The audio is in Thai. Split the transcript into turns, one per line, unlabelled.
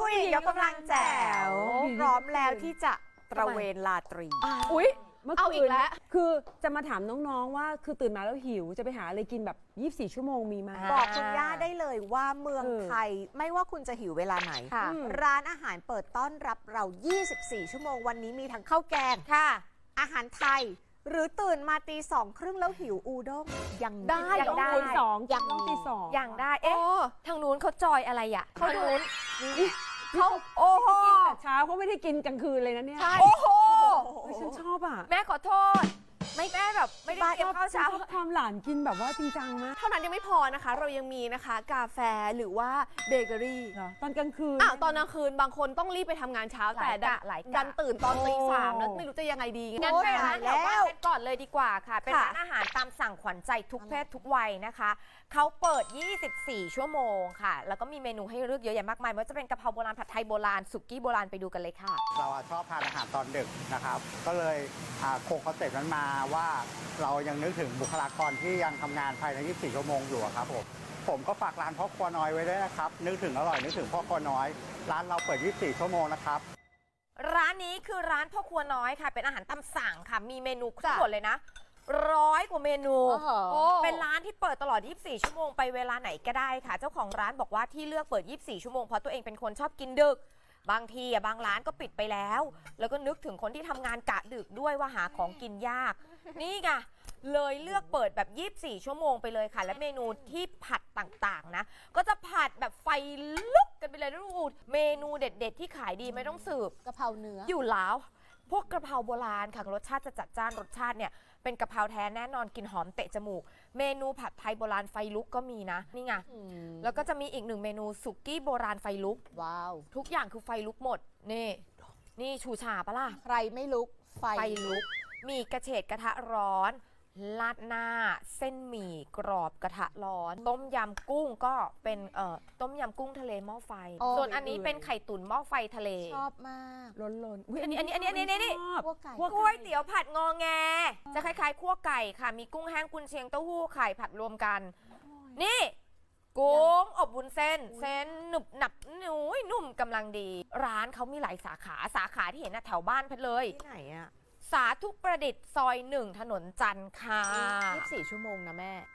ผู้หญิงยกกำลังแจ๋วพร้อมแล้วที่จะตระเวนลาตรี
อุ๊ย
เอาอีกแล้ว
คือจะมาถามน้องๆว่าคือตื่นมาแล้วหิวจะไปหาอะไรกินแบบ24 ชั่วโมงมีไหม
บอกคุณย่าได้เลยว่าเมืองไทยไม่ว่าคุณจะหิวเวลาไหน
ค่ะ
ร้านอาหารเปิดต้อนรับเรา 24 ชั่วโมงวันนี้มีทั้งข้าวแกง
ค่ะ
อาหารไทย หรือตื่นมาตี 2:30แล้วหิวอูด้งยัง
ได้
ยัง
ได้
ตีสอง
ยัง
ต้องตีสอง
อย่างได้ เอ๊ะ ทางนู้นเขาจอยอะไรอ่ะ
เขาดู
เขาโอ้โห
แต่เช้าเขาไม่ได้กินกลางคืนเลยนะเนี่ย
ใช่โอ้โห
เฮ้ยฉันชอบอ่ะ
แม่ขอโทษ ไม่แม่แบบไม่ได้เตรียมข้าวเช้า
ชอบความหลานกินแบบว่าจริงจังนะ
เท่านั้นยังไม่พอนะคะ เรายังมีนะคะกาแฟหรือว่าเบเกอรี่
เหรอตอนกลางคืน
ตอนกลางคืนบางคนต้องรีบไปทำงานเช้า
หลาย
แต่
กะหลายกะ
ดันตื่นตอนตี
โอ้
3แล้วไม่รู้จะยังไงดี
งั้นไปร้านแถวบ้านเพชรก่อนเลยดีกว่าค่ะ เป็น
ค่ะ
ร้านอาหารตามสั่งขวัญใจทุกเพศทุกวัยนะคะ เขาเปิด 24 ชั่วโมงค่ะ แล้วก็มีเมนูให้เลือกเยอะแยะมากมายไม่ว่าจะเป็นกะเพราโบราณผัดไทยโบราณสุกี้โบราณไปดูกันเลยค่ะ
เราชอบทานอาหารตอนดึกนะครับ ก็เลยคงคอนเซ็ปต์นั้นมาว่าเรายังนึกถึงบุคลากรที่ยังทำงานภายใน 24 ชั่วโมงอยู่อะครับผมก็ฝากร้านพ่อครัวน้อยไว้ด้วยนะครับ นึกถึงอร่อยนึกถึงพ่อครัวน้อย ร้านเราเปิด 24 ชั่วโมงนะครับ
ร้านนี้คือร้านพ่อครัวน้อยค่ะ เป็นอาหารตามสั่งค่ะ มีเมนูทั้งหมดเลยนะ100 กว่าเมนู
โอ้
เป็นร้านที่เปิดตลอด 24 ชั่วโมงไปเวลาไหนก็ได้ค่ะ เจ้าของร้านบอกว่าที่เลือกเปิด 24 ชั่วโมงเพราะตัวเองเป็นคนชอบกินดึก บางทีบางร้านก็ปิดไปแล้ว แล้วก็นึกถึงคนที่ทำงานกะดึกด้วยว่าหาของกินยาก นี่ไง เลยเลือกเปิดแบบ 24 ชั่วโมงไปเลยค่ะ และเมนูที่ผัดต่างๆนะ ก็จะผัดแบบไฟลุกกันไปเลยนะดูเมนูเด็ด ๆ ที่ขายดีไม่ต้องสืบ
กะเพราเนื้อ
อยู่แล้ว พวกกระเพราโบราณค่ะรสชาติจะจัดจ้านรสชาติเนี่ยเป็นกะเพราแท้แน่นอนกลิ่นหอมเตะจมูก เมนูผัดไทยโบราณไฟลุกก็มีนะนี่ไงแล้วก็จะมีอีกหนึ่งเมนูสุกี้โบราณไฟลุก
ว้าว
ทุกอย่างคือไฟลุกหมดนี่ชูชาปะล่ะ
ใครไม่ลุกไฟ
ไฟลุก มีกระเฉดกระทะร้อนลาดหน้า เส้นหมี่กรอบกระทะร้อน ต้มยำกุ้งก็เป็นต้มยำกุ้งทะเลหม้อไฟ ส่วนอันนี้เป็นไข่ตุ๋นหม้อไฟทะเล
ชอบมาก
ล้นๆอุ๊ย
อันนี้
ชอบ
พวกไก่
ก๋วยเตี๋ยวผัดงอแง จะคล้ายๆคั่วไก่ค่ะ มีกุ้งแห้งกุนเชียงเต้าหู้ไข่ผัดรวมกัน นี่ กุ้งอบวุ้นเส้น เส้นหนุบหนับนุ่มกำลังดี ร้านเขามีหลายสาขาที่เห็นนะแถวบ้านเพชรเลย
ที่ไหนอะ
สาธุประดิษฐ์ซอย 1 ถนนจันทร์ค่ะ
24 ชั่วโมงนะแม่